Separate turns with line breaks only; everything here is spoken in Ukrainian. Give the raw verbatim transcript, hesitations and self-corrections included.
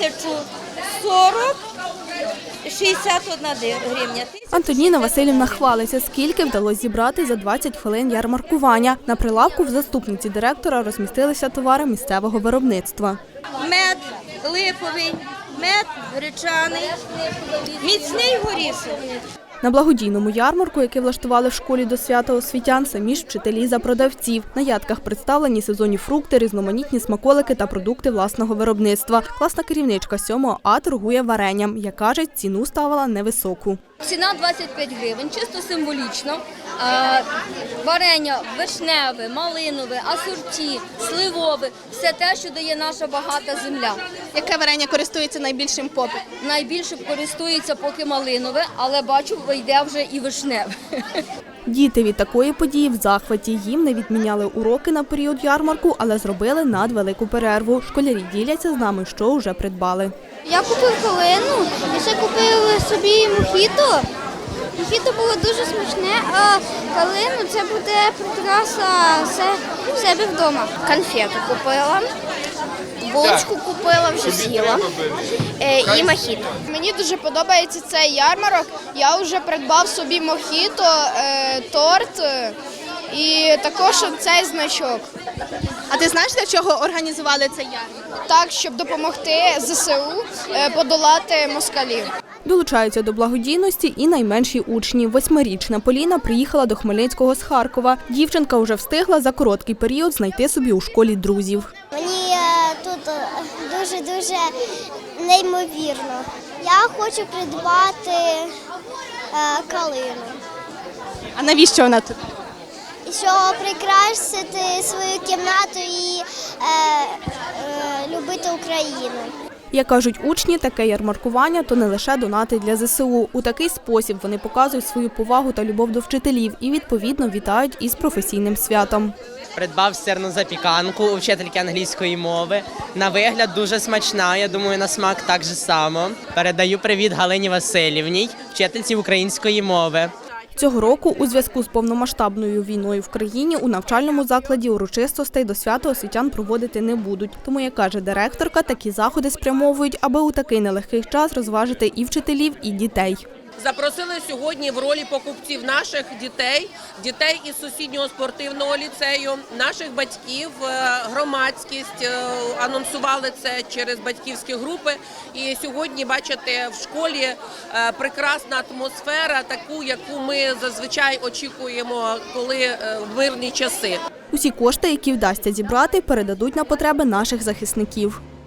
тисячу сорок шістдесят одна гривня.
Антоніна Василівна хвалиться, скільки вдалося зібрати за двадцять хвилин ярмаркування. На прилавку в заступниці директора розмістилися товари місцевого виробництва.
Мед липовий, мед гречаний, міцний горішок.
На благодійному ярмарку, який влаштували в школі до свята освітян, самі ж вчителі за продавців. На ядках представлені сезонні фрукти, різноманітні смаколики та продукти власного виробництва. Класна керівничка сьомого А торгує варенням. Як каже, ціну ставила невисоку.
Ціна двадцять п'ять гривень, чисто символічно. Варення вишневе, малинове, асорті, сливове – все те, що дає наша багата земля.
Яке варення користується найбільшим попитом?
Найбільше користується поки малинове, але бачу, вийде вже і вишневе.
Діти від такої події в захваті. Їм не відміняли уроки на період ярмарку, але зробили надвелику перерву. Школярі діляться з нами, що вже придбали.
Я купив калину, і ще купили собі мохіто. Мохіто було дуже смачне, а калину – це буде прикраса в себе вдома.
Конфету купила, булочку купила, вже з'їла і мохіто.
Мені дуже подобається цей ярмарок. Я вже придбав собі мохіто, торт і також цей значок. А ти знаєш, для чого організували цей ярмарок? Так, щоб допомогти зе се у подолати москалів.
Долучаються до благодійності і найменші учні. Восьмирічна Поліна приїхала до Хмельницького з Харкова. Дівчинка вже встигла за короткий період знайти собі у школі друзів.
Мені тут дуже-дуже неймовірно. Я хочу придбати калину.
А навіщо вона тут?
Щоб прикрасити свою кімнату і е, е, любити Україну.
Як кажуть учні, таке ярмаркування – то не лише донати для зе се у. У такий спосіб вони показують свою повагу та любов до вчителів і, відповідно, вітають із професійним святом.
Придбав сирну запіканку у вчительки англійської мови. На вигляд дуже смачна, я думаю, на смак так же само. Передаю привіт Галині Василівній, вчительці української мови.
Цього року у зв'язку з повномасштабною війною в країні у навчальному закладі урочистостей до свята освітян проводити не будуть. Тому, як каже директорка, такі заходи спрямовують, аби у такий нелегкий час розважити і вчителів, і дітей.
Запросили сьогодні в ролі покупців наших дітей, дітей із сусіднього спортивного ліцею, наших батьків, громадськість, анонсували це через батьківські групи. І сьогодні, бачите, в школі прекрасна атмосфера, таку, яку ми зазвичай очікуємо, коли в мирні часи.
Усі кошти, які вдасться зібрати, передадуть на потреби наших захисників.